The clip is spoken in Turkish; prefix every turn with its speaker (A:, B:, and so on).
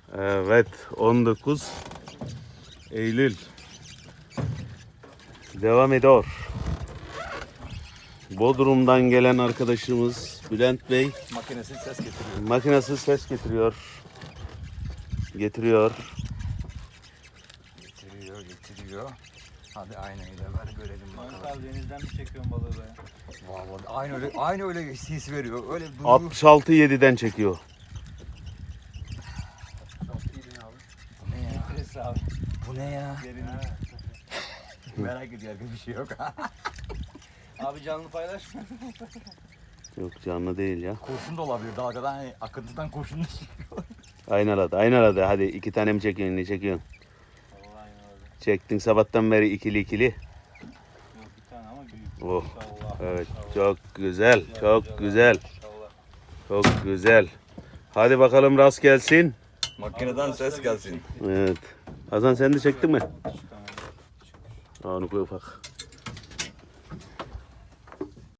A: Evet, 19 Eylül devam ediyor. Bodrum'dan gelen arkadaşımız Bülent Bey
B: Makinesiz ses getiriyor.
A: makinesiz ses getiriyor. Getiriyor.
B: Getiriyor. Hadi aynayla ver görelim bakalım.
C: Denizden mi çekiyorsun balığı be?
B: Vallahi aynı öyle his veriyor. Öyle duygu.
A: 66-7'den çekiyor.
B: Bu ne ya?
C: Nefes abi.
B: Bu ne ya?
C: Derin.
B: Merak ediyor bir şey yok.
C: Abi canlı paylaşma.
A: Yok canlı değil ya.
B: Kurşun da olabilir. Dalgadan hani akıntıdan kurşun da çıkıyor.
A: Aynaladı. Hadi 2 tane mi çekiyorsun, ne çekiyorsun?
C: Vallahi aynen öyle.
A: Çektin sabahtan beri ikili.
C: Yok bir tane ama büyük.
A: Oh.
C: İnşallah.
A: Evet,
C: İnşallah.
A: çok güzel, çok güzel,
C: İnşallah.
A: çok güzel. Hadi bakalım rast gelsin.
B: Makineden ses gelsin.
A: Evet. Hasan sen de çektin mi?
C: Tamam.
A: Aa, onu koy ufak.